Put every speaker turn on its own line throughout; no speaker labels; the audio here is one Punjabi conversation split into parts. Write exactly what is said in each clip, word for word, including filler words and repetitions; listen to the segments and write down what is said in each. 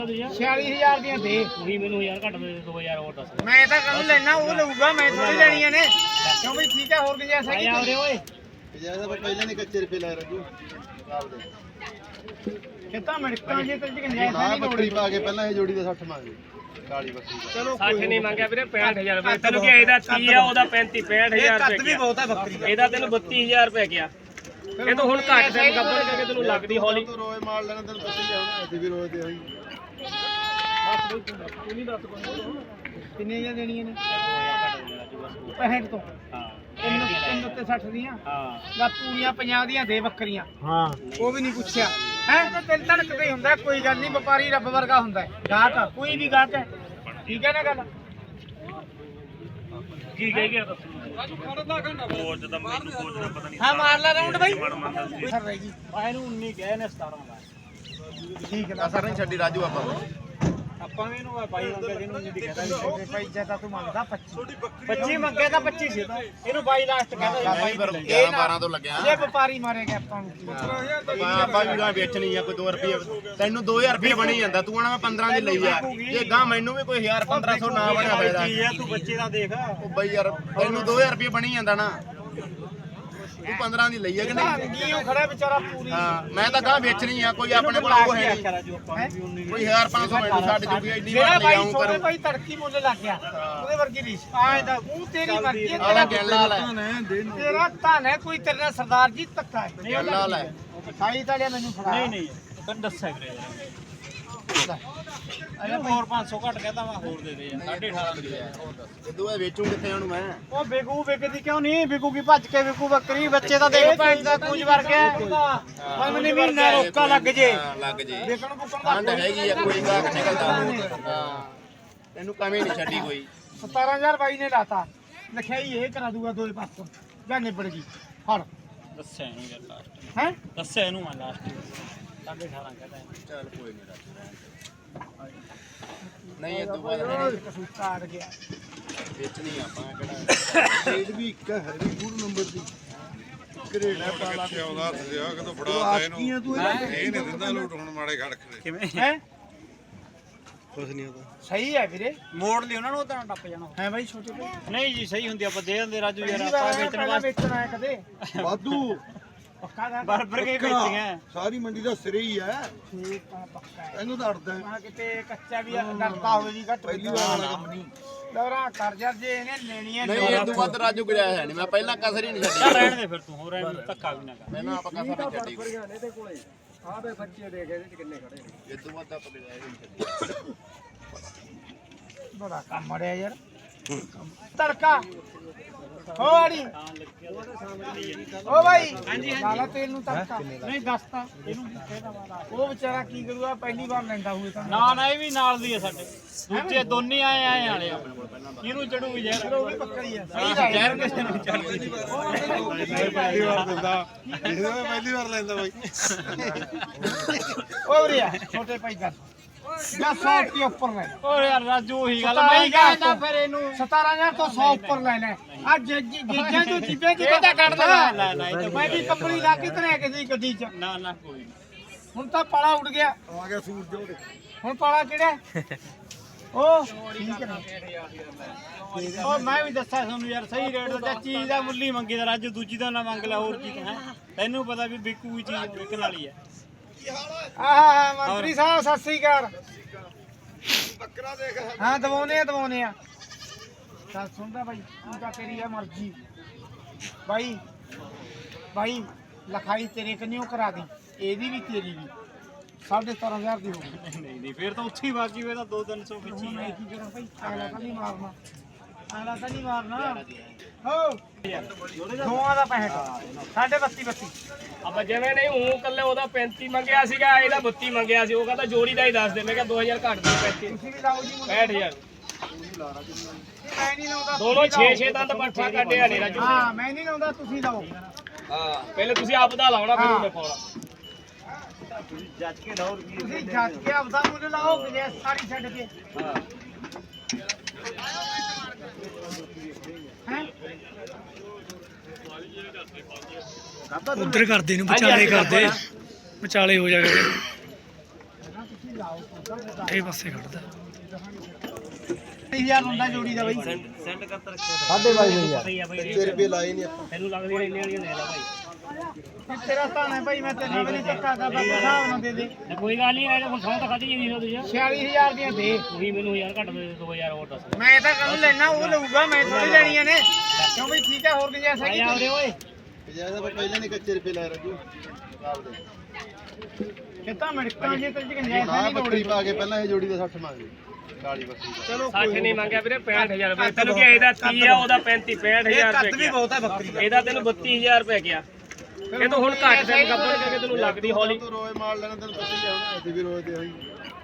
छियाली हजार ਦੀਆਂ ਦੇ
ਉਹੀ ਮੈਨੂੰ ਯਾਰ ਘੱਟ ਦੇ ਦੋ ਹਜ਼ਾਰ ਹੋਰ ਦੱਸ
ਮੈਂ ਤਾਂ ਕੱਲ ਲੈਣਾ ਉਹ ਲਊਗਾ ਮੈਂ ਥੋੜੀ ਲੈਣੀਆਂ ਨੇ ਕਿਉਂ ਬਈ ਠੀਕ ਹੈ ਹੋਰ ਗੁੰਜਾਇਸ਼ ਹੈ
ਆ ਰੇ ਓਏ
ਜਿਆਦਾ ਪਹਿਲਾਂ ਨਹੀਂ ਕੱਚੇ ਰੁਪਏ ਲੈ ਰਾਜੂ ਆਪਦੇ
ਕਿਤਾ ਮਿੰਟਾਂ ਜੇ ਤੇ ਗੁੰਜਾਇਸ਼
ਨਾ
ਨਹੀਂ
ਬੱਕਰੀ
ਲੋੜੀ
ਪਾ ਕੇ ਪਹਿਲਾਂ ਇਹ ਜੋੜੀ ਦਾ ਸੱਠ ਮੰਗੇ ਕਾਲੀ ਬੱਕਰੀ ਦਾ
ਚਲੋ
ਸੱਠ ਨਹੀਂ ਮੰਗਿਆ ਵੀਰੇ ਪੈਂਹਠ ਹਜ਼ਾਰ ਰੁਪਏ ਤੈਨੂੰ ਕੀ ਇਹਦਾ ਤੀਹ ਆ ਉਹਦਾ ਪੈਂਤੀ ਪੈਂਹਠ ਹਜ਼ਾਰ ਰੁਪਏ
ਕੱਦ ਵੀ ਬਹੁਤ ਹੈ ਬੱਕਰੀ ਦਾ
ਇਹਦਾ ਤੈਨੂੰ ਬੱਤੀ ਹਜ਼ਾਰ ਰੁਪਏ ਗਿਆ ਇਹ ਤਾਂ ਹੁਣ ਘੱਟ ਟਾਈਮ ਗੱਬਰ ਕਰਕੇ ਤੈਨੂੰ ਲੱਗਦੀ ਹੌਲੀ
ਤੂੰ ਰੋਏ ਮਾਰ ਲੈਣਾ ਤੈਨੂੰ ਪਤਾ ਹੀ ਆ ਅਸੀਂ ਵੀ ਰੋਏ ਦੇ ਹੋਈ
ਕਿੰਨੇ ਜਾਂ ਦੇਣੀਆਂ ਨੇ ਪੈਂਹਠ ਤੋਂ
ਹਾਂ
ਤਿੰਨ ਤਿੰਨ ਤੇ ਸੱਠ ਦੀਆਂ
ਹਾਂ
ਲਾ ਪੂਰੀਆਂ ਪੰਜਾਹ ਦੀਆਂ ਦੇ ਬੱਕਰੀਆਂ
ਹਾਂ
ਉਹ ਵੀ ਨਹੀਂ ਪੁੱਛਿਆ ਹੈ ਤਾਂ ਦਿਲ ਧੜਕਦਾ ਹੀ ਹੁੰਦਾ ਕੋਈ ਗੱਲ ਨਹੀਂ ਵਪਾਰੀ ਰੱਬ ਵਰਗਾ ਹੁੰਦਾ ਗਾਹਕ ਕੋਈ ਵੀ ਗਾਹਕ ਹੈ ਠੀਕ ਹੈ ਨਾ ਗੱਲ
ਕੀ ਕਹਿ ਗਿਆ ਦੱਸੋ ਹੋਰ ਜਦੋਂ ਮੈਨੂੰ ਕੋਚ ਦਾ ਪਤਾ ਨਹੀਂ
ਹਾਂ ਮਾਰ ਲੈ ਰਾਉਂਡ ਬਾਈ ਸਰ ਰਹੀ ਜੀ
ਆਏ ਨੂੰ ਉੱਨੀ ਗਏ ਨੇ ਸਤਾਰਾਂ ਦਾ
ਠੀਕ ਹੈ
ਅਸਰ ਨਹੀਂ ਛੱਡੀ ਰਾਜੂ ਆਪਾਂ
ਆਪਾਂ ਵੀ ਇਹਨੂੰ ਬਾਈ ਮੰਗਿਆ ਜਿਹਨੂੰ ਨਹੀਂ ਦਿਖਦਾ
ਛੋਟੇ ਭਾਈ ਜਦਾ ਤੂੰ ਮੰਗਦਾ ਪੱਚੀ
ਪੱਚੀ ਮੰਗਿਆ ਤਾਂ ਪੱਚੀ ਸੀ ਤਾਂ ਇਹਨੂੰ ਬਾਈ ਲਾਸਟ ਕਹਿੰਦਾ
ਮੈਂ ਫਿਰ ਗਿਆਰਾਂ ਬਾਰਾਂ ਤੋਂ ਲੱਗਿਆ
ਜੇ ਵਪਾਰੀ ਮਾਰੇਗਾ ਆਪਾਂ ਨੂੰ ਕੀ
ਆਪਾਂ ਵੀ ਗਾਂ ਵੇਚਣੀ ਆ ਕੋਈ ਦੋ ਰੁਪਏ ਤੈਨੂੰ ਦੋ ਹਜ਼ਾਰ ਰੁਪਏ ਬਣੀ ਜਾਂਦਾ ਤੂੰ ਆਣਾ ਮੈਂ ਪੰਦਰਾਂ ਦੀ ਲਈ ਆ ਜੇ ਗਾਂ ਮੈਨੂੰ ਵੀ ਕੋਈ ਹਜ਼ਾਰ ਪੰਦਰਾਂ ਸੌ ਨਾ ਬਣਿਆ ਫਾਇਦਾ
ਤੂੰ ਬੱਚੇ ਦਾ ਦੇਖ
ਉਹ ਬਈ ਯਾਰ ਤੈਨੂੰ ਦੋ ਹਜ਼ਾਰ ਰੁਪਏ ਬਣੀ ਜਾਂਦਾ ਨਾ ਤੂੰ ਪੰਦਰਾਂ ਦੀ ਲਈ ਆ ਕਿ ਨਹੀਂ
ਕੀ ਉਹ ਖੜਾ ਵਿਚਾਰਾ ਪੂਰੀ
ਹਾਂ ਮੈਂ ਤਾਂ ਗਾਂ ਵੇਚਣੀ ਆ ਕੋਈ ਆਪਣੇ ਕੋਲ ਉਹ ਹੈ ਨਹੀਂ ਕੋਈ ਹਜ਼ਾਰ ਪੰਜ ਸੌ ਮੈਨੂੰ ਛੱਡ ਜੂਗੀ ਇੰਨੀ
ਜਿਹੜਾ
ਵਾਰ ਲੈ
ਬਾਈ
ਆਉਂ
ਛੋਟੇ
ਕਰੂੰ
ਭਾਈ ਤੜਕੀ ਮੁੱਲ ਲੱਗ ਗਿਆ ਉਹਦੇ ਵਰਗੀ ਰੀਸ ਆਏ ਤਾਂ ਉਹ ਤੇਰੀ ਮਰਜ਼ੀ ਹੈ
ਆਲਾ
ਤੇਰਾ
ਗਿਣ ਲਾ ਲੈ
ਤੇਰਾ ਧਨ ਹੈ ਕੋਈ ਤੇਰੇ ਨਾਲ ਸਰਦਾਰ ਜੀ ਧੱਕਾ ਹੈ
ਗਿਣ ਲਾ ਲੈ
ਸਾਈ ਤਾਂ ਲਿਆ ਮੈਨੂੰ ਫੜਾ
ਨਹੀਂ ਨਹੀਂ ਤੈਨੂੰ ਦੱਸਿਆ ਵੀਰੇ ਅਰੇ ਹੋਰ ਪੰਜ ਸੌ ਘੱਟ ਕਹਤਾ ਮੈਂ ਹੋਰ ਦੇ ਦੇ ਯਾਰ ਸਾਢੇ ਅਠਾਰਾਂ ਦੀ
ਜਦੋਂ ਇਹ ਵੇਚੂ ਕਿੱਥੇ ਉਹਨੂੰ ਮੈਂ
ਉਹ ਵਿਕੂ ਵਿਕਦੀ ਕਿਉਂ ਨਹੀਂ ਵਿਕੂਗੀ ਭੱਜ ਕੇ ਵਿਕੂ ਬੱਕਰੀ ਬੱਚੇ ਤਾਂ ਦੇਖ ਭੈਣ ਦਾ ਕੁਝ ਵਰਗਾ ਪਰ ਮੈਨੂੰ ਮਹੀਨਾ ਰੋਕਾ ਲੱਗ ਜੇ
ਹਾਂ, ਲੱਗ ਜੇ
ਦੇਖਣ ਬੁੱਕਣ ਦਾ
ਠੰਡ ਹੈਗੀ ਆ ਕੋਈ ਗਾਹਕ ਨਿਕਲਦਾ ਹਾਂ ਤੈਨੂੰ ਕਮੀ ਨਹੀਂ ਛੱਡੀ ਕੋਈ
ਸਤਾਰਾਂ ਹਜ਼ਾਰ ਬਾਈ ਨੇ ਲਾਤਾ ਲਿਖਿਆਈ ਇਹ ਕਰਾ ਦੂਗਾ ਦੋਏ ਪਾਸੋਂ ਜਾਂ ਨਿਬੜ ਗਈ ਫੜ
ਦੱਸਿਆ ਇਹਨੂੰ ਯਾਰ ਲਾਸਟ
ਹੈ
ਦੱਸਿਆ ਇਹਨੂੰ ਮੈਂ ਲਾਸਟ ਸਾਢੇ ਅਠਾਰਾਂ ਕਹਤਾ
ਚੱਲ ਕੋਈ ਨਹੀਂ ਰੱਖ ਨਹੀਂ ਇਹ ਤੋਂ ਬਾਅਦ
ਕਸੂਤਾ ਆ ਗਿਆ
ਵੇਚਣੀ ਆਪਾਂ ਕਿਹੜਾ ਰੇਟ ਵੀ ਇੱਕ ਹੈ ਵੀ ਪੂਰ ਨੰਬਰ ਦੀ ਗ੍ਰੇਡ ਹੈ ਪਾਲਾ
ਕਿੱਥੇ ਆਉਂਦਾ ਸਿਆ ਕਿਤੋਂ ਫੜਾ ਤਾ ਇਹਨੂੰ ਇਹ ਨਹੀਂ ਦਿੰਦਾ ਲੋਟ ਹੁਣ ਮਾੜੇ ਖੜ ਖੜੇ
ਕਿਵੇਂ
ਹੈ
ਕੁਛ ਨਹੀਂ ਆਉਂਦਾ
ਸਹੀ ਹੈ ਵੀਰੇ
ਮੋੜ ਲਈ ਉਹਨਾਂ ਨੂੰ ਤਾਂ ਟੱਪ ਜਾਣਾ
ਹੈ ਬਾਈ ਛੋਟੇ ਭਾਈ
ਨਹੀਂ ਜੀ ਸਹੀ ਹੁੰਦੀ ਆਪਾਂ ਦੇ ਦਿੰਦੇ ਰਾਜੂ ਯਾਰ
ਪਹਿਲੀ
ਆਪਾਂ
ਵਾਰ
ਵੇਚਣ
ਪਹਿਲਾਂ
ਵਾਸਤੇ
ਵੇਚਣ ਆਇਆ ਕਦੇ
ਵਾਧੂ
ਪੱਕਾ ਦਾ
ਬਰਬਰ ਕੇ ਵੇਚੀਆਂ
ਸਾਰੀ ਮੰਡੀ ਦਾ ਸਿਰੇ ਹੀ ਹੈ
ਠੀਕ ਆ ਪੱਕਾ ਹੈ
ਇਹਨੂੰ ਤਾਂ ਅੜਦਾ
ਆ ਕਿਤੇ ਕੱਚਾ ਵੀ ਡਰਦਾ ਹੋਵੇ ਜੀ ਘੱਟ
ਪਹਿਲੀ ਵਾਰ ਵਾਲਾ ਕੰਮ ਨਹੀਂ
ਲਵਰਾ ਕਰ ਜਰ ਜੇ ਇਹਨੇ ਲੈਣੀਆਂ
ਨਹੀਂ ਇਹ ਤੋਂ ਵੱਧ ਰਾਜੂ ਗੁਜਾਇਆ ਹੈ ਨਹੀਂ ਮੈਂ ਪਹਿਲਾਂ ਕਸਰ ਹੀ ਨਹੀਂ
ਚੱਲ
ਛੱਡੀ
ਰਹਿਣ ਦੇ ਫਿਰ ਤੂੰ ਹੋਰ ਐਵੇਂ ਧੱਕਾ ਵੀ ਨਾ ਕਰ
ਮੈਨੂੰ ਆਪਾਂ ਕਸਰ ਨਹੀਂ ਛੱਡੀ ਕੋਈ
ਇਹਦੇ ਕੋਲੇ ਆ ਬੇ ਬੱਚੇ ਦੇਖ ਇਹਦੇ ਚ ਕਿੰਨੇ ਖੜੇ ਨੇ
ਇਹ ਤੋਂ ਵੱਧ ਆਪਾਂ ਗੁਜਾਇਆ ਹੀ ਨਹੀਂ ਛੱਡੀ
ਬੜਾ ਕੰਮ ਮੜਿਆ ਯਾਰ ਤੜਕਾ ਹੋ ਆੜੀ ਓ ਭਾਈ ਹਾਂਜੀ ਲਾਲਾ ਤੇਲ ਨੂੰ ਤੜਕਾ ਨਹੀਂ ਦੱਸਤਾ ਇਹਨੂੰ ਕਹਿਦਾ ਵਾਲਾ ਉਹ ਵਿਚਾਰਾ ਕੀ ਕਰੂਗਾ ਪਹਿਲੀ ਵਾਰ ਲੈਂਦਾ ਹੋਵੇ ਤਾਂ
ਨਾ ਨਾ ਇਹ ਵੀ ਨਾਲ ਦੀ ਹੈ ਸਾਡੇ ਦੂਜੇ ਦੋਨੇ ਆਏ ਆਏ ਵਾਲੇ ਆਪਣੇ ਕੋਲ ਪਹਿਲਾਂ ਕਿਹਨੂੰ ਚੜੂਗੀ ਯਾਰ
ਉਹ ਵੀ ਪੱਕਾ ਹੀ ਆ ਸਹੀ ਗੱਲ
ਜ਼ਹਿਰ ਕਿਸੇ ਨੂੰ ਚੜਦੀ
ਪਹਿਲੀ ਵਾਰ ਦਿੰਦਾ ਇਹਦਾ ਮੈਂ ਪਹਿਲੀ ਵਾਰ ਲੈਂਦਾ ਬਾਈ
ਓ ਰਿਆ ਛੋਟੇ ਭਾਈ ਗੱਲ ਜਾਂ ਸੌ ਰੁਪਏ ਉੱਪਰ ਲੈ
ਹੋਰ ਯਾਰ ਰਾਜੂ ਉਹੀ ਗੱਲ ਮੈਂ ਕਹਿੰਦਾ ਫਿਰ ਇਹਨੂੰ
ਸਤਾਰਾਂ ਹਜ਼ਾਰ ਤੋਂ ਸੌ ਉੱਪਰ ਲੈ ਲੈ ਆ ਗੀਜਾਂ ਤੋਂ ਚੀਜ਼ਾਂ ਚ
ਇਹ ਤਾਂ ਕੱਢ ਦੇਣਾ ਨਾ ਨਾ ਇਹ ਤਾਂ
ਮੈਂ ਵੀ ਕੰਪਨੀ ਲਾ ਕੇ ਤਰੇ ਕਿਸੇ ਗੱਡੀ ਚ
ਨਾ ਨਾ ਕੋਈ ਨਹੀਂ
ਹੁਣ ਤਾਂ ਪਾਲਾ ਉੱਡ ਗਿਆ
ਆ ਗਿਆ ਸੂਰਜ ਉਹਦੇ
ਹੁਣ ਪਾਲਾ ਕਿਹੜਾ ਉਹ ਠੀਕ ਹੈ
ਉਹ ਮੈਂ ਵੀ ਦੱਸਿਆ ਤੁਹਾਨੂੰ ਯਾਰ ਸਹੀ ਰੇਟ ਦਾ ਚੀਜ਼ ਦਾ ਮੁੱਲ ਹੀ ਮੰਗੀ ਦਾ ਰਾਜੂ ਦੂਜੀ ਦਾ ਨਾ ਮੰਗ ਲੈ ਹੋਰ ਕੀ ਹੈ ਤੈਨੂੰ ਪਤਾ ਵੀ ਵਿਕੂ ਚੀਜ਼ ਵਿਕਣ ਵਾਲੀ ਹੈ
ਆਹ ਮੰਤਰੀ ਸਾਹਿਬ ਸਤਿ ਸ੍ਰੀ ਅਕਾਲ ਬੱਕਰਾ ਦੇਖ ਹਾਂ ਦਵਾਉਨੇ ਆ ਦਵਾਉਨੇ ਆ ਚੱਲ ਸੁਣਦਾ ਬਾਈ ਤੂੰ ਤਾਂ ਤੇਰੀ ਆ ਮਰਜ਼ੀ ਬਾਈ ਬਾਈ ਲਿਖਾਈ ਤੇਰੇ ਕੰਨਿਓ ਕਰਾ ਦੀ ਇਹਦੀ ਵੀ ਤੇਰੀ ਵੀ ਸਾਢੇ ਸਤਾਰਾਂ ਹਜ਼ਾਰ ਦੀ ਹੋ ਗਈ
ਨਹੀਂ ਨਹੀਂ ਫਿਰ ਤਾਂ ਉੱਥੇ ਹੀ ਬਾਕੀ ਵੇ ਤਾਂ ਦੋ ਤਿੰਨ ਸੌ
ਹੁਣ
ਖਿੱਚੀ
ਮੈਂ ਕੀ ਕਰਾਂ ਭਾਈ ਆਲਾ ਤਾਂ ਨਹੀਂ ਮਾਰਨਾ ਆਲਾ ਤਾਂ ਨਹੀਂ ਮਾਰਨਾ ਹੋ ਦੋਆਂ ਦਾ ਪੈਂਹਠ ਸਾਢੇ ਬੱਤੀ ਬੱਤੀ
ਆਪਾਂ ਜਿਵੇਂ ਨਹੀਂ ਹੂੰ ਕੱਲੇ ਉਹਦਾ ਪੈਂਤੀ ਮੰਗਿਆ ਸੀਗਾ ਇਹਦਾ ਬੱਤੀ ਮੰਗਿਆ ਸੀ ਉਹ ਕਹਿੰਦਾ ਜੋੜੀ ਦਾ ਹੀ ਦੱਸ ਦੇ ਮੈਂ ਕਿਹਾ ਦੋ ਹਜ਼ਾਰ ਘੱਟ ਦੇ ਪੈਂਤੀ
ਤੁਸੀਂ ਵੀ ਲਾਓ ਜੀ ਮੁੰਡੇ।
ਪੈਂਹਠ ਹਜ਼ਾਰ
ਮੈਂ ਨਹੀਂ ਲਾਉਂਦਾ
ਦੋਨੋਂ ਛੇ ਛੇ ਦੰਦ ਪੱਠਾ ਕੱਢਿਆ ਨੇ ਰਾਜੂ
ਹਾਂ ਮੈਂ ਨਹੀਂ ਲਾਉਂਦਾ ਤੁਸੀਂ ਲਾਓ
ਹਾਂ ਪਹਿਲੇ ਤੁਸੀਂ ਆਪ ਦਾ ਲਾਉਣਾ ਫਿਰ ਉਹਨੇ ਪਾਉਣਾ ਜੱਜ ਕੇ ਲਾਓ
ਤੁਸੀਂ ਜੱਜ ਕੇ ਆਪਦਾ ਮੁੱਲ ਲਾਓ ਕਿ ਸਾਰੀ ਛੱਡ ਕੇ
ਹਾਂ
ਹੈ
ਉਧਰ ਕਰਦੇ ਨੂੰ ਵਿਚਾਲੇ ਕਰਦੇ ਵਿਚਾਲੇ ਹੋ ਜਾ ਕਰਦੇ
ਤੁਸੀਂ ਲਾਓ
ਪੁੱਠੇ ਪਾਸੇ ਖੜਦਾ
ਹਜ਼ਾਰ ਹੁੰਦਾ ਜੋੜੀ ਦਾ ਬਾਈ
ਸੈਂਡ ਕਰਤਾ
ਸਾਢੇ ਬਾਈ ਹਜ਼ਾਰ
ਛੇ ਰੁਪਏ ਲਾਏ ਨਹੀਂ ਆਪਾਂ ਤੈਨੂੰ ਲੱਗਦੀ ਇੰਨੇ ਵਾਲੀਆਂ ਲੈ ਲੈ ਭਾਈ
ਇਹ ਤੇਰਾ ਸਥਾਨ ਹੈ ਭਾਈ ਮੈਂ ਤੈਨੂੰ ਵੀ ਨਹੀਂ ਚੱਕਾ ਕਰਦਾ ਹਿਸਾਬ ਨਾਲ ਦੇ ਦੇ
ਕੋਈ ਗੱਲ ਨਹੀਂ ਐ ਹੁਣ ਸੌ ਤਾਂ ਖਾਦੀ ਨਹੀਂ ਤੁਸੀਂ
ਛਿਆਲੀ ਹਜ਼ਾਰ ਦੀਆਂ ਦੇ
ਤੁਸੀਂ ਮੈਨੂੰ ਯਾਰ ਘੱਟ ਦੇ ਦੋ ਹਜ਼ਾਰ ਹੋਰ ਦੱਸ
ਮੈਂ ਤਾਂ ਕੱਲ ਲੈਣਾ ਉਹ ਲਊਗਾ ਮੈਂ ਥੋੜੀ ਲੈਣੀਆਂ ਨੇ ਕਿਉਂ ਬਈ ਠੀਕ ਹੈ ਹੋਰ ਗੁੰਜਾਇਸ਼ ਹੈਗੀ
ਆਉਰੇ ਓਏ
ਜਿਆਦਾ ਪਹਿਲਾਂ ਨਹੀਂ ਕੱਚੇ ਰੁਪਏ ਲੈ ਰਾਜੂ
ਕਿਤਾ ਮਿੰਟਾਂ ਜੇ ਤੇ ਗੁੰਜਾਇਸ਼ ਨਹੀਂ
ਬੱਕਰੀ ਪਾ ਕੇ ਪਹਿਲਾਂ ਇਹ ਜੋੜੀ ਦਾ ਸੱਠ ਮੰਗ ਕਾਲੀ ਬੱਕਰੀ ਦਾ
ਚਲੋ
ਸੱਠ ਨਹੀਂ ਮੰਗਿਆ ਵੀਰੇ ਪੈਂਹਠ ਹਜ਼ਾਰ ਰੁਪਏ ਤੈਨੂੰ ਕੀ ਇਹਦਾ ਤੀਹ ਆ ਉਹਦਾ ਪੈਂਤੀ ਪੈਂਹਠ ਹਜ਼ਾਰ ਰੁਪਏ
ਕੱਦ ਵੀ ਬਹੁਤ ਹੈ ਬੱਕਰੀ ਦਾ
ਇਹਦਾ ਤੈਨੂੰ ਬੱਤੀ ਹਜ਼ਾਰ ਰੁਪਏ ਗਿਆ ਇਹ ਤਾਂ ਹੁਣ ਘੱਟ ਟਾਈਮ ਗੱਬੜ ਕਰਕੇ ਤੈਨੂੰ ਲੱਗਦੀ ਹੌਲੀ
ਤੂੰ ਰੋਏ ਮਾਰ ਲੈਣਾ ਤੈਨੂੰ ਪਤਾ ਹੀ ਆ ਹੁਣ ਅਸੀਂ ਵੀ ਰੋਏ ਤੇ ਹੋਈ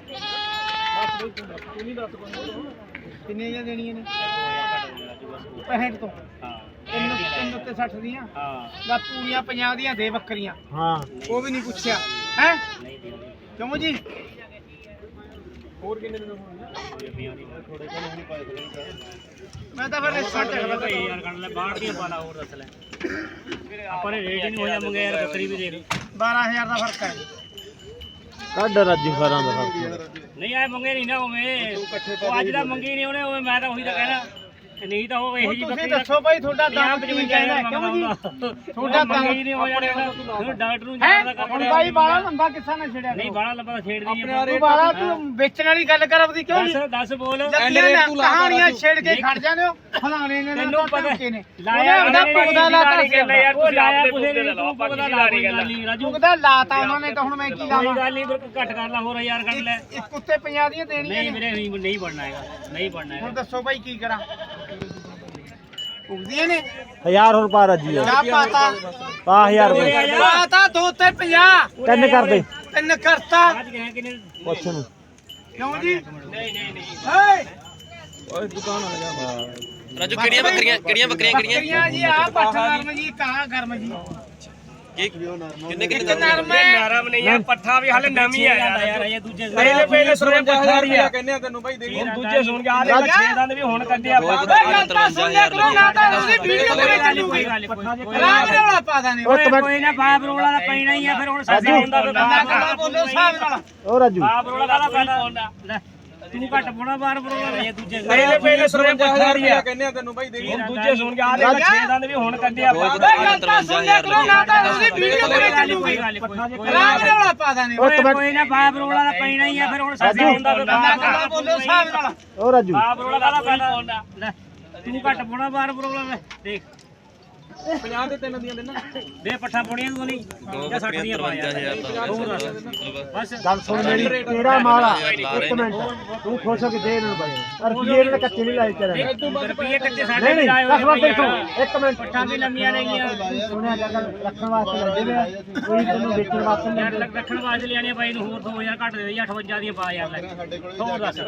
ਕਿੰਨੇ ਜਾਂ ਦੇਣੀਆਂ ਨੇ ਪੈਂਹਠ ਤੋਂ
ਹਾਂ
ਤਿੰਨ ਤਿੰਨ ਉੱਤੇ ਸੱਠ ਦੀਆਂ
ਹਾਂ
ਦਾ ਪੂਰੀਆਂ ਪੰਜਾਹ ਦੀਆਂ ਦੇ ਬੱਕਰੀਆਂ
ਹਾਂ
ਉਹ ਵੀ ਨਹੀਂ ਪੁੱਛਿਆ ਹੈ ਕਿਉਂ ਜੀ
ਹੋਰ ਕਿੰਨੇ ਦਿਨ ਹੋਣਗੇ ਥੋੜੇ ਕੋਲ ਨਹੀਂ ਪਾਏ
ਮੈਂ ਤਾਂ ਫਿਰ ਰਿਸਾ ਚੱਕਦਾ
ਭਾਈ ਯਾਰ ਕੱਢ ਲੈ ਬਾਹਰ ਦੀਆਂ ਪਾਲਾ ਹੋਰ ਦੱਸ ਲੈ ਆਪਾਂ ਨੇ ਰੇਟ ਹੀ ਨਹੀਂ ਹੋਇਆ ਮੰਗਿਆ ਯਾਰ ਬੱਕਰੀ ਵੀ ਦੇਖ
ਬਾਰਾਂ ਹਜ਼ਾਰ ਦਾ ਫਰਕ ਹੈ
ਕੱਢ ਰਾਜੂ ਖਾਰਾਂ ਦਾ
ਨਹੀਂ ਆਏ ਮੰਗੇ ਨਹੀਂ ਨਾ ਉਵੇਂ ਉਹ ਅੱਜ ਦਾ ਮੰਗੀ ਨਹੀਂ ਉਹਨੇ ਉਵੇਂ ਮੈਂ ਤਾਂ ਉਹੀ ਤਾਂ ਕਹਿਣਾ ਨਹੀਂ ਤਾਂ ਉਹ ਇਹੋ ਜੀ
ਤੁਸੀਂ ਦੱਸੋ ਭਾਈ ਤੁਹਾਡਾ ਦਾਮ ਕੀ ਕਹਿੰਦਾ ਕਿਉਂ ਜੀ ਤੁਹਾਡਾ ਦਾਮ
ਮੰਗੀ ਨਹੀਂ ਹੋ ਜਾਣਾ ਡਾਕਟਰ ਨੂੰ
ਹੈ
ਜਾਣਾ
ਹੁਣ ਬਾਈ ਬਾਲਾ ਲੰਬਾ ਕਿੱਸਾ ਨਾ ਛੇੜਿਆ
ਨਹੀਂ ਬਾਹਲਾ ਲੰਬਾ ਛੇੜ ਦੀ
ਤੂੰ ਬਾਲਾ ਤੂੰ ਵੇਚਣ ਵਾਲੀ ਗੱਲ ਕਰ ਆਪਦੀ ਕਿਉਂ ਜੀ
ਦੱਸ ਦੱਸ ਬੋਲ
ਕਹਾਣੀਆਂ ਛੇੜ ਕੇ ਖੜ ਜਾਂਦੇ ਹੋ ਫਲਾਣੇ ਨੇ
ਤੈਨੂੰ ਪਤਾ
ਨੇ
ਲਾਇਆ
ਉਹਦਾ ਪੁਗਦਾ ਲਾਤਾ
ਯਾਰ ਤੁਸੀਂ ਆਪਦੇ ਪੁੱਛਦੇ ਲੈ ਲਓ ਪੁਗਦਾ ਲਾ ਰਹੀ ਗੱਲ ਨਹੀਂ ਰਾਜੂ
ਪੁਗਦਾ ਲਾਤਾ ਉਹਨਾਂ ਨੇ ਤਾਂ ਹੁਣ ਮੈਂ ਕੀ
ਕੋਈ
ਲਾਵਾਂ
ਗੱਲ ਨਹੀਂ ਘੱਟ ਕਰ ਲਾ ਹੋਰ ਹਜ਼ਾਰ ਕੱਢ ਲੈ
ਇੱਕ ਉੱਤੇ ਪੰਜਾਹ ਦੀਆਂ ਦੇਣੀਆਂ
ਨਹੀਂ
ਨੇ
ਵੀਰੇ ਨਹੀਂ ਨਹੀਂ ਬਣਨਾ ਹੈਗਾ ਨਹੀਂ ਬਣਨਾ
ਹੁਣ
ਹੈਗਾ
ਦੱਸੋ ਭਾਈ ਕੀ ਕਰਾਂ ਪੁਗਦੀਆਂ ਨੇ
ਹਜ਼ਾਰ ਹੋਰ ਪਾ ਰਾਜੂ
ਕਿਆ ਪਾਤਾ
ਪਾ ਹਜ਼ਾਰ ਰੁਪਏ
ਪਾਤਾ ਦੋ ਤੇ ਪੰਜਾਹ
ਤਿੰਨ ਕਰ ਦੇ
ਤਿੰਨ ਕਰਤਾ
ਅੱਜ ਗਏ ਕਿਨੇ
ਪੁੱਛ ਨੂੰ
ਕਿਉਂ ਜੀ
ਨਹੀਂ ਨਹੀਂ ਨਹੀਂ
ਹੇ
ਰਾਜੂ ਕਿਹੜੀਆਂ ਬੱਕਰੀਆਂ ਕਿਹੜੀਆਂ ਬੱਕਰੀਆਂ ਕਿਹੜੀਆਂ
ਬੱਕਰੀਆਂ ਜੀ ਆ ਪੱਠ ਨਰਮ ਜੀ ਕਾ ਗਰਮ ਜੀ
ਕਿੰਨੇ ਕਿੰਨੇ
ਇੱਕ ਨਰਮ ਹੈ
ਨਰਮ ਨਹੀਂ ਆ ਪੱਠਾ ਵੀ ਹਾਲੇ ਨਵੀਂ ਆਇਆ ਯਾਰ ਇਹ ਦੂਜੇ ਪਹਿਲੇ ਪਹਿਲੇ ਸਰਵੰਜਾ ਹਜ਼ਾਰ ਰੁਪਏ ਕਹਿੰਦੇ ਆ ਤੈਨੂੰ ਬਾਈ ਦੇ ਹੁਣ ਦੂਜੇ ਸੁਣ ਕੇ ਆ ਲੈ ਛੇ ਦੰਦ ਵੀ ਹੁਣ ਕੱਢਿਆ
ਓਏ ਗੱਲ ਤਾਂ ਸੁਣ ਲਿਆ ਕਰੋ ਨਾ ਤਾਂ ਉਹਦੀ ਵੀਡੀਓ ਕਰੇ ਚੱਲੂਗੀ ਰਾਮ ਰੌਲਾ ਪਾ ਦਾਨੇ
ਕੋਈ ਨਾ ਬਾਪ ਰੋਲਾ ਦਾ ਪੈਣਾ ਹੀ ਆ ਫਿਰ ਹੁਣ ਸਾਡੀ ਹੁੰਦਾ ਤਾਂ
ਨਾ ਗੱਲਾਂ ਬੋਲੋ ਹਿਸਾਬ ਨਾਲ
ਓ ਰਾਜੂ
ਬਾਪ ਰੋਲਾ ਕਾਹਦਾ ਪੈਣਾ ਲੈ ਤੂੰ ਘੱਟ ਪੋਣਾ ਬਾਪ ਰੋਲਾ ਇਹ ਦੂਜੇ
ਪਹਿਲੇ ਪਹਿਲੇ ਸਰਵੰਜਾ ਹਜ਼ਾਰ ਰੁਪਏ
ਕਹਿੰਦੇ ਆ ਤੈਨੂੰ ਬਾਈ ਦੇ ਹੁਣ ਦੂਜੇ ਸੁਣ ਕੇ ਆ ਲੈ ਛੇ ਦੰਦ ਵੀ ਹੁਣ ਕੱਢਿਆ
ਓਏ ਗੱਲ ਤਾਂ ਸੁਣ ਲਿਆ ਕਰੋ ਨਾ ਤਾਂ ਉਹਦੀ ਵੀਡੀਓ ਕਰੇ ਚੱਲੂਗੀ ਰਾਮ ਰੌਲਾ ਪਾ ਦਾਨੇ
ਓਏ ਕੋਈ ਨਾ ਬਾਪ ਰੋਲਾ ਦਾ ਪੈਣਾ ਹੀ ਆ ਫਿਰ ਹੁਣ ਸਾਡੀ ਹੁੰਦਾ ਤਾਂ
ਨਾ ਗੱਲਾਂ ਬੋਲੋ ਹਿਸਾਬ ਨਾਲ
ਓ ਰਾਜੂ
ਬਾਪ ਰੋਲਾ ਕਾਹਦਾ ਪੈਣਾ ਲੈ ਤੂੰ ਘੱਟ ਪੋਣਾ ਬਾਪ ਰੋਲਾ ਲੈ ਦੇਖ ਪੰਜਾਹ ਦੇ ਤਿੰਨ ਦੀਆਂ ਦੇਣਾ ਦੇ ਪੱਠਾ ਪੋਣੀਆਂ ਤੂੰ ਨਹੀਂ ਜਾਂ ਸੱਠ ਦੀਆਂ ਪਾ ਯਾਰ ਹੋਰ ਬਸ
ਗੱਲ ਸੁਣ ਮੇਰੀ ਤੇਰਾ ਮਾਲ ਆ ਇੱਕ ਮਿੰਟ ਤੂੰ ਖੁਸ਼ ਹੋ ਕੇ ਦੇ ਇਹਨਾਂ ਨੂੰ ਬਾਈ ਰੁਪਏ ਇਹਨਾਂ ਕੱਚੇ ਨਹੀਂ ਲਾਏ ਤੇਰੇ
ਰੁਪਏ ਕੱਚੇ ਸਾਡੇ
ਨਹੀਂ
ਵੀ
ਨਹੀਂ
ਲਾਏ
ਦਸ
ਹੋਏ
ਮਿੰਟ ਦੇਖੋ ਇੱਕ ਮਿੰਟ
ਪੱਠਾਂ ਵੀ ਲੰਮੀਆਂ ਨੇਗੀਆਂ
ਸੁਣਿਆ ਗੱਲ ਰੱਖਣ ਵਾਸਤੇ ਲੈਂਦੇ ਨੇ ਕੋਈ ਤੈਨੂੰ ਵੇਚਣ ਵਾਸਤੇ ਨਹੀਂ
ਯਾਰ ਰੱਖਣ ਵਾਸਤੇ ਲਿਆਣੇ ਬਾਈ ਨੂੰ ਹੋਰ ਦੋ ਹਜ਼ਾਰ ਘੱਟ ਦੇ ਦੇ ਅਠਵੰਜਾ ਦੀਆਂ ਪਾ ਯਾਰ ਲੈ ਹੋਰ ਦੱਸ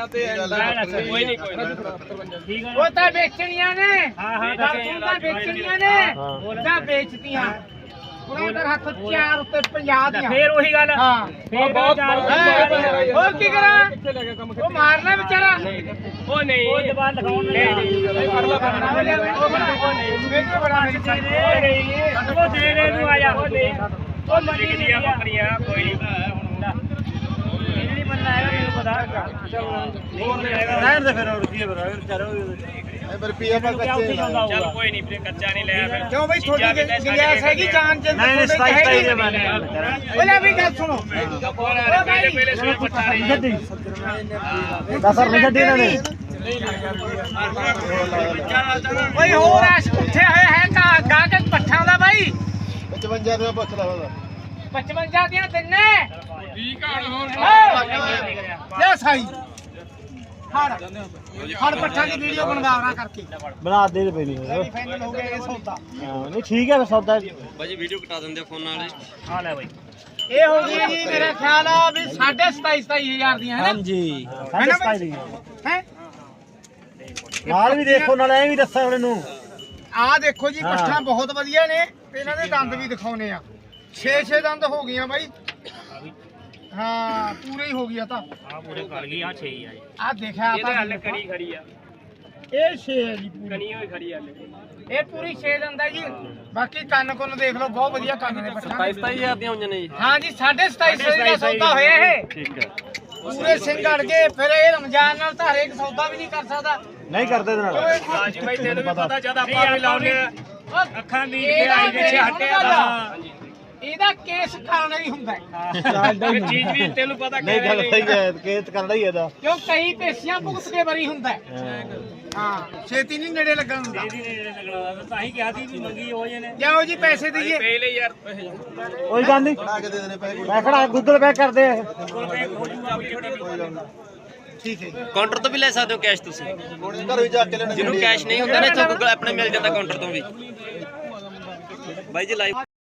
ਲੈ ਕੋਈ ਨਹੀਂ ਕੋਈ ਠੀਕ ਆ
ਉਹ ਤਾਂ ਵੇਚਣੀਆਂ ਨੇ
ਹਾਂ ਹਾਂ
ਤੂੰ ਤਾਂ ਵੇਚਣੀਆਂ ਨੇ ਜਾਂ ਵੇਚਤੀਆਂ ਉਹਨਾਂ ਦੇ ਹੱਥ ਚਾਰ ਉੱਤੇ ਪੰਜਾਹ ਦੀਆਂ
ਫੇਰ ਉਹੀ ਗੱਲ
ਹਾਂ
ਫੇਰ ਬਹੁਤ
ਹੋਰ ਕੀ ਕਰਾਂ ਉਹ ਮਾਰਨਾ ਵਿਚਾਰਾ
ਉਹ ਨਹੀਂ ਉਹ ਜ਼ਬਾਨ ਲਗਾਉਣ ਨਹੀਂ
ਪਰਲਾ ਕਰਨਾ ਮੈਨੂੰ ਬੜਾ ਮੇਰੀ ਚਾਹੀਦੀ
ਉਹ ਦੇ ਦੇ ਨੂੰ ਆ ਜਾ ਉਹ ਨਹੀਂ ਉਹ ਮੰਡੀ ਦੀਆਂ ਬੱਕਰੀਆਂ ਕੋਈ ਨਹੀਂ ਇਹ ਨਹੀਂ ਬੰਦਾ ਹੈਗਾ ਮੈਨੂੰ ਪਤਾ
ਰਹਿਣ ਦੇ ਫਿਰ ਹੋਰ ਕੀ ਹੈ ਵਿਚਾਰਾ ਰੁਪਏ ਪਾ ਕੱਚੇ
ਚੱਲ ਕੋਈ ਨਹੀਂ ਵੀਰੇ ਕੱਚਾ ਨਹੀਂ ਲਿਆ ਫਿਰ
ਕਿਉਂ ਬਈ ਤੁਹਾਡੀ ਗੁੰਜਾਇਸ਼ ਹੈਗੀ ਜਾਨ ਚ
ਨਹੀਂ ਸਤਾਈ ਸਤਾਈ ਦੇ ਬਾਰੇ
ਉਹਲੇ ਵੀ ਗੱਲ ਸੁਣੋ
ਪਹਿਲੇ ਪਹਿਲੇ ਸੁਣੇ ਪੱਠਾ ਨਹੀਂ
ਗੱਡੀ ਦਸ ਰੁਪਏ ਗੱਡੀ ਇਹਨਾਂ ਨੇ
ਓਏ ਹੋਰ ਐਸ ਉੱਠੇ ਹੋਏ ਹੈ ਕਾ ਗਾ ਕੇ ਪੱਠਾਂ ਦਾ ਬਾਈ
ਪਚਵੰਜਾ ਰੁਪਏ ਪੁੱਛ ਲਾ ਉਹਦਾ
ਪਚਵੰਜਾ ਦੀਆਂ ਤਿੰਨੇ ਠੀਕ ਆ ਲੈ ਸਾਈ ਹੜ ਹੜ ਪੱਠਾਂ ਦੀ ਵੀਡੀਓ ਬਣਵਾਉਣਾ ਕਰਕੇ
ਬਣਾ ਦੇ ਦੇ ਪਹਿਲੀ
ਫਾਈਨਲ ਹੋ ਗਿਆ ਇਹ ਸੌਦਾ
ਹਾਂ ਨਹੀਂ ਠੀਕ ਹੈ ਸੌਦਾ
ਬਾਜੀ ਵੀਡੀਓ ਕਟਾ ਦਿੰਦੇ ਫੋਨ ਨਾਲ
ਹਾਂ ਲੈ ਬਾਈ
ਇਹ ਹੋ ਗਈ ਜੀ ਮੇਰਾ ਖਿਆਲ ਆ ਵੀ ਸਾਢੇ ਸਤਾਈ ਸਤਾਈ ਹਜ਼ਾਰ ਦੀਆਂ ਹੈ ਨਾ
ਹਾਂਜੀ ਸਾਢੇ ਸਤਾਈ ਦੀ
ਹੈ
ਨਾਲ ਵੀ ਦੇਖੋ ਨਾਲ ਐ ਵੀ ਦੱਸਾਂ ਹੁਣ ਇਹਨੂੰ
ਆਹ ਦੇਖੋ ਜੀ ਪੱਠਾਂ ਬਹੁਤ ਵਧੀਆ ਨੇ ਤੇ ਇਹਨਾਂ ਦੇ ਦੰਦ ਵੀ ਦਿਖਾਉਨੇ ਆ ਛੇ ਛੇ ਦੰਦ ਹੋ ਗਈਆਂ ਬਾਈ ਹਾਂ ਪੂਰੇ ਹੀ ਹੋ ਗਿਆ ਤਾਂ
ਆ ਪੂਰੇ ਕਰ ਗਈ ਆ ਛੇ ਹੀ ਆ ਜੀ
ਆਹ ਦੇਖਿਆ
ਇਹਦੇ ਹੱਲ ਕਣੀ ਖੜੀ ਆ
ਇਹ ਛੇ ਹੈ ਜੀ ਪੂਰੀ
ਕਣੀ ਹੋਈ ਖੜੀ ਆ
ਇਹ ਪੂਰੀ ਛੇ ਦੰਦ ਹੈ ਜੀ ਬਾਕੀ ਕੰਨ ਕੁੰਨ ਦੇਖ ਲਓ ਬਹੁਤ ਵਧੀਆ ਕੰਨ ਨੇ ਪੱਠਾਂ
ਸਤਾਈ ਸਤਾਈ ਹਜ਼ਾਰ ਦੀਆਂ ਹੋਈਆਂ ਨੇ ਜੀ
ਹਾਂ ਜੀ ਸਾਢੇ ਸਤਾਈ ਸੌ ਦਾ ਸੌਦਾ ਹੋਇਆ ਇਹ
ਠੀਕ ਹੈ
ਪੂਰੇ ਸਿੰਘ ਅੜ ਗਏ ਫਿਰ ਇਹ ਰਮਜ਼ਾਨ ਨਾਲ ਤਾਂ ਹਰੇਕ ਸੌਦਾ ਵੀ ਨਹੀਂ ਕਰ ਸਕਦਾ।
ਨਹੀਂ ਕਰਦੇ ਇਹਦੇ ਨਾਲ
ਰਾਜੀ ਬਾਈ ਤੈਨੂੰ ਵੀ ਪਤਾ ਜਦ ਆਪਾਂ ਵੀ ਲਾਉਨੇ ਆ ਅੱਖਾਂ ਦੀ
ਇਹਦਾ
ਆਈ ਵਿੱਚ ਹਟਿਆ
ਹਾਂ। ਇਹਦਾ ਕੇਸ ਕਰਨਾ ਹੀ ਹੁੰਦਾ ਹੈ।
ਇਹ ਚੀਜ਼ ਵੀ ਤੈਨੂੰ ਪਤਾ
ਨਹੀਂ ਗੱਲ ਸਹੀ ਹੈ ਕੇਸ ਕਰਦਾ ਹੀ ਇਹਦਾ
ਕਿਉਂ ਕਈ ਪੇਸ਼ੀਆਂ ਭੁਗਤ ਕੇ ਬਰੀ ਹੁੰਦਾ ਹੈ। ਹਾਂ ਛੇਤੀ ਨਹੀਂ ਨੇੜੇ ਲੱਗਣ ਹੁੰਦਾ।
ਇਹਦੀ ਨੇੜੇ ਲੱਗਣਾ ਤਾਂ ਹੀ ਕਿਹਾ ਸੀ ਵੀ ਮੰਗੀ ਹੋ ਜੇ ਨੇ
ਜਾਓ ਜੀ ਪੈਸੇ ਦਈਏ।
ਪਹਿਲੇ ਯਾਰ
ਕੋਈ ਗੱਲ ਨਹੀਂ ਮੈਂ ਖੜਾ ਗੂਗਲ ਪੇ ਕਰਦੇ ਆ
ਕੋਲ ਪੇ ਹੋ ਜੂਗਾ ਆਪਣੀ ਛੋਟੀ
ਠੀਕ ਹੈ ਜੀ।
ਕਾਊਂਟਰ ਤੋਂ ਵੀ ਲੈ ਸਕਦੇ ਹੋ ਕੈਸ਼ ਤੁਸੀਂ
ਘਰ ਵੀ ਜਾ ਕੇ ਲੈਣਾ
ਜਿਹਨੂੰ ਕੈਸ਼ ਨਹੀਂ ਹੁੰਦਾ ਨਾ ਇੱਥੋਂ ਗੂਗਲ ਆਪਣੇ ਮਿਲ ਜਾਂਦਾ ਕਾਊਂਟਰ ਤੋਂ ਵੀ ਬਾਈ ਜੀ ਲਾਈਵ